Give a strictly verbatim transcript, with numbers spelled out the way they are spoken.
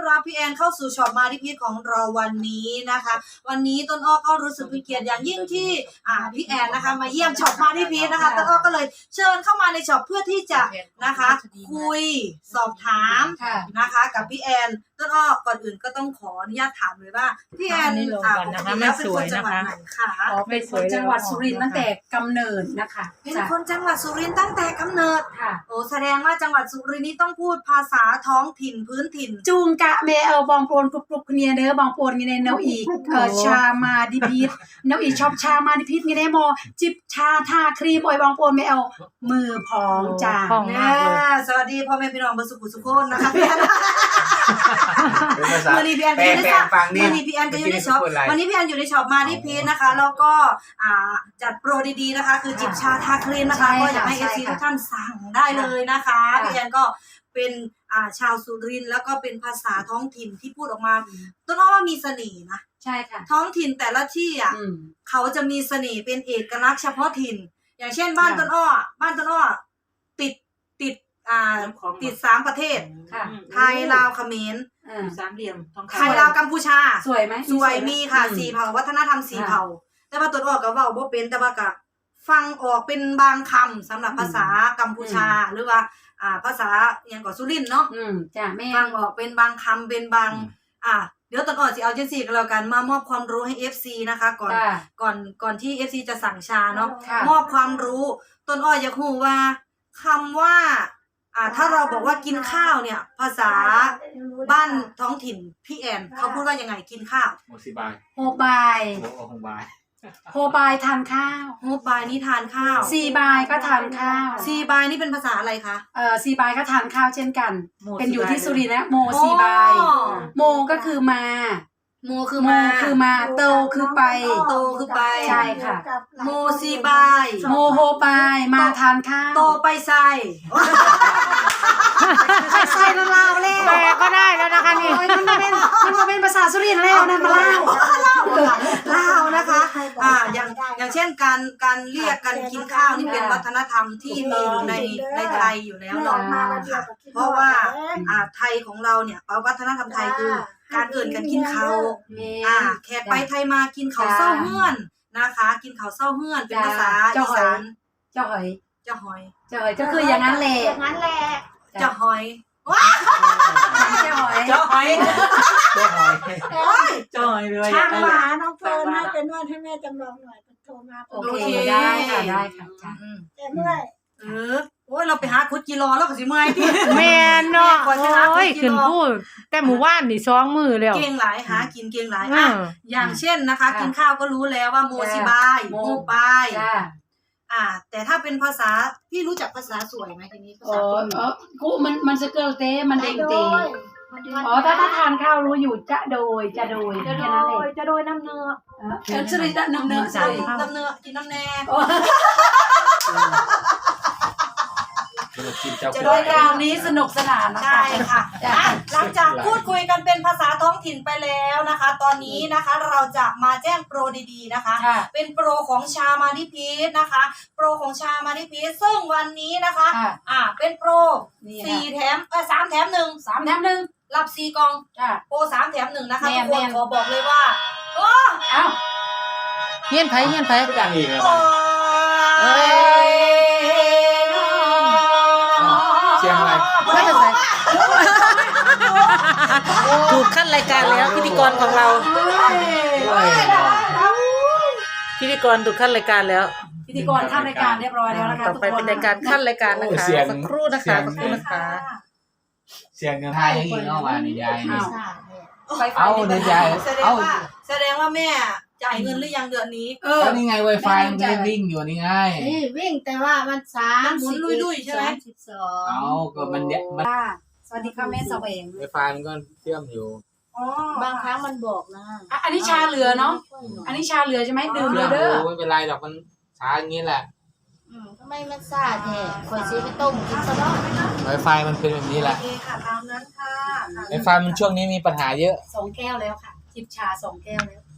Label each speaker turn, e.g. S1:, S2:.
S1: รับพี่แอนเข้าสู่ช็อปมาที่พีชของเราวันนี้นะคะวันนี้ต้นอ้อก็รู้สึกเป็นเกียรติอย่างยิ่งที่อ่าพี่แอนนะคะมาเยี่ยมช็อปมาที่พีชนะคะต้นอ้อก็เลยเชิญเข้ามาในช็อปเพื่อที่จะนะคะคุยสอบถามนะคะกับพี่แอนต้นอ้อก่อนอื่นก็ต้องขออนุญาตถามเลยว่าพี่แอนอ่าปกติแล้วเป็นคนจังหวัดไหนคะ
S2: เป็นคนจังหวัดสุรินทร์ตั้งแต่กำเนิดนะคะ
S1: เป็นคนจังหวัดสุรินทร์ตั้งแต่กำเนิด
S2: ค่ะ
S1: โอ้แสดงว่าจังหวัดสุรินทร์นี่ต้องพูดภาษาท้องถิ่นพื้นถิ่น
S2: จูงกะเมเอลบองโปนกรุบกรุบเนียเด้อบองโปนเงี้ยเนาอีกเออชามาดิพีทเนาอีชอบชามาดิพีทเงี้ยโมจิบชาทาครีมออยบองโปนเมเอลมือพองจ้า
S1: สวัสดีพ่อแม่พี่น้องบรรสุขุสุขคนนะคะพี่แอนวันนี้พี่แอนอยู่ในช็อปวันนี้พี่แอนก็อยู่ในช็อปวันนี้พี่แอนอยู่ในช็อปมาที่พีชนะคะแล้วก็อ่าจัดโปรดีๆนะคะคือจิบชาทาครีมนะคะก็อยากให้เอฟซีทุกท่านสั่งได้เลยนะคะพี่แอนก็เป็นอ่าชาวสุรินทร์แล้วก็เป็นภาษาท้องถิ่นที่พูดออกมาต้นอ้อว่ามีเสน่ห์นะ
S2: ใช่ค่ะ
S1: ท้องถิ่นแต่ละที่อ่ะเขาจะมีเสน่ห์เป็นเอกลักษณ์เฉพาะถิ่นอย่างเช่นบ้านต้นอ้อบ้านต้นอ้อติดติดอ่าติดสามประเทศไทยลาวเขมร
S3: สามเหลี่ยมทองคำ
S1: ไทยลาวกัมพูชา
S2: สวยไหม
S1: สวยมีค่ะสี่เผ่าวัฒนธรรมสี่เผ่าแต่ว่าต้นอ้อก็เว้าบ่เป็นแต่ว่าก็ฟังออกเป็นบางคำสำหรับภาษากัมพูชาหรือว่าอ่าภาษาอย่างก่อสุรินทร์เนาะ
S2: อืมจ้ะแม่
S1: ฟังออกเป็นบางคำเป็นบางอ่าเดี๋ยวต้นอ้อสิเอาจังซี่ก็แล้วกันมามอบความรู้ให้ เอฟ ซี นะคะก่อนก่อนก่อนที่ เอฟ ซี จะสั่งชาเนาะมอบความรู้ต้นอ้ออยากรู้ว่าคำว่าอ่าถ้าเราบอกว่ากินข้าวเนี่ยภาษาบ้านท้องถิ่นพี่แอนเขาพูดว่ายังไงกินข้าว
S4: โมซิบาย
S2: โฮบาย
S4: โมโฮบาย
S2: โฮบายทานข้าว
S1: โฮบายนี่ทานข้าว
S2: ซีบายก็ทานข้าว
S1: ซีบายนี่เป็นภาษาอะไรคะ
S2: เอ่อซีบายก็ทานข้าวเช่นกันเป็นอยู่ที่สุรินทร์นะโมซีบายโมก็คือมา
S1: โมคือ
S2: มาคือมาโตคือไป
S1: โตคือไป
S2: ใช่ค่ะ
S1: โมซีบาย
S2: โมโฮบายมาทานข้าว
S1: โตไปใส่ไปใส่ลาวแล้ว
S3: แปลก็ได้แล้วนะคะนี่
S2: มันมาเป็นมันมาเป็นภาษาสุรินทร์แล้วนะมาลาว
S1: ลาวนะคะอ่าอย่างอย่างเช่นการการเรียกกันกินข้าวนี่เป็นวัฒนธรรมที่มีอยู่ในในไทยอยู่แล้วเนาะเพราะว่าอ่าไทยของเราเนี่ยวัฒนธรรมไทยคือการเอิ่นกันกินข้าวอ่าแขกไปไทยมากินข้าวเศร้าเฮือนนะคะกินข้าวเศร้าเฮือนเป็นภาษาอีสาน
S2: เจ้าหอย
S1: เจ้าหอย
S2: เจ้าหอยก็คืออย่างนั้นแหละ
S1: อย่างนั้นแหละเจ้าหอย
S2: ว้าเจ้าหอย
S3: เจ้าหอย
S4: เจ้าหอย
S3: เจ้าหอยเลย
S5: ช่างหมาน้องเฟิร์นให้เป็นนวดให้แม่จำลองหน่อยโทรมา
S2: โอเคได้ค่ะได้ค่ะ
S5: แต่เมื่อย
S1: เออโอ้ยเราไปหาคุดกิโลแล้วก็สิเมื่อยที่
S3: แม่เนาะโอ้ยขึ้นพูดแต่หมู่บ้านนี่สองมือแล้ว
S1: เก่งหลายหากินเก่งหลายอ่ะอย่างเช่นนะคะกินข้าวก็รู้แล้วว่าโมซิบายโมบายอ่าแต่ถ้าเป็นภาษาพี่รู้จักภาษาสวยไหมทีนี้ภาษาตัว
S2: เออกูมันมันสเกิลเต้มันเด้งเต้อ๋อถ้าถ้าทานข้าวรู้อยู่จะโดยจะโดยแค่นั้นเอง
S5: จะโดยน้ำเนื้อ
S2: เออจะได้น้ำเนื้อ
S1: ใช่น้ำเนื้อกินน้ำแน่
S2: จะโดยคราวนี้สนุกสนานนะคะ
S1: ใช่ค่ะหลังจากพูดคุยกันเป็นภาษาท้องถิ่นไปแล้วนะคะตอนนี้นะคะเราจะมาแจ้งโปรดีๆนะคะเป็นโปรของชามาดิพีชนะคะโปรของชามาดิพีชซึ่งวันนี้นะคะอ่าเป็นโปรสี่แถมเออสามแถมหนึ่ง
S2: สามแถมหนึ่ง
S1: รับสี่กล่องโปรสามแถมหนึ่งนะคะทุกคนขอบอกเลยว่าโอ้
S2: เอ้า
S3: เฮียนไผเฮียนไผ
S4: ดังอีกแล้ว
S1: เอ้ย
S4: เชียงอะไร
S3: ไม่เป็นไรถูกขั้นรายการแล้วพิธีกรของเราพิธีกรถูกขั้นรายการแล้ว
S2: พิธีกรขั้นรายการเรียบร้อยแล้วนะคะ
S3: ต่อไปเป็นรายการขั้นรายการนะคะสักครู่นะคะสักครู่นะคะ
S4: เสียงเงินไทยให้ยิงเข้ามาในยาย
S1: เอาในยายเอาแสดงว่าแม่จ่ายเงินหรือยังเดือนนี้
S4: เออนี่ไง Wi-Fi มันไม่ได้วิ่งอยู่นี่ไง
S5: นี่วิ่งแต่ว่ามันสาม
S1: หมุนลุยๆใช่ไหม
S5: สิบสอง
S4: เอาก็มันเนี่ยมัน
S2: สวัสดีค่ะแม่สาวเอง
S4: Wi-Fi มันก็เชื่อมอยู่
S5: บางครั้งมันบอกนะ
S2: อันนี้ชาเหลือเนาะอันนี้ชาเหลือใช่ไหมดื่มเลยเด้อ
S4: ไม่เป็นไรหรอกมันช้าอย่างนี้แหละ
S5: อืมทำไมมันซ่าแท้คอยซื้อไปต้มกินซะเนาะ
S4: Wi-Fi มันเป็นแบบนี้แหละ
S1: โอเคค่ะตามนั้นค่ะ
S4: Wi-Fi มันช่วงนี้มีปัญหาเยอะ
S2: สองแก้วแล้วค่ะจิบชาสองแก้วแล้ว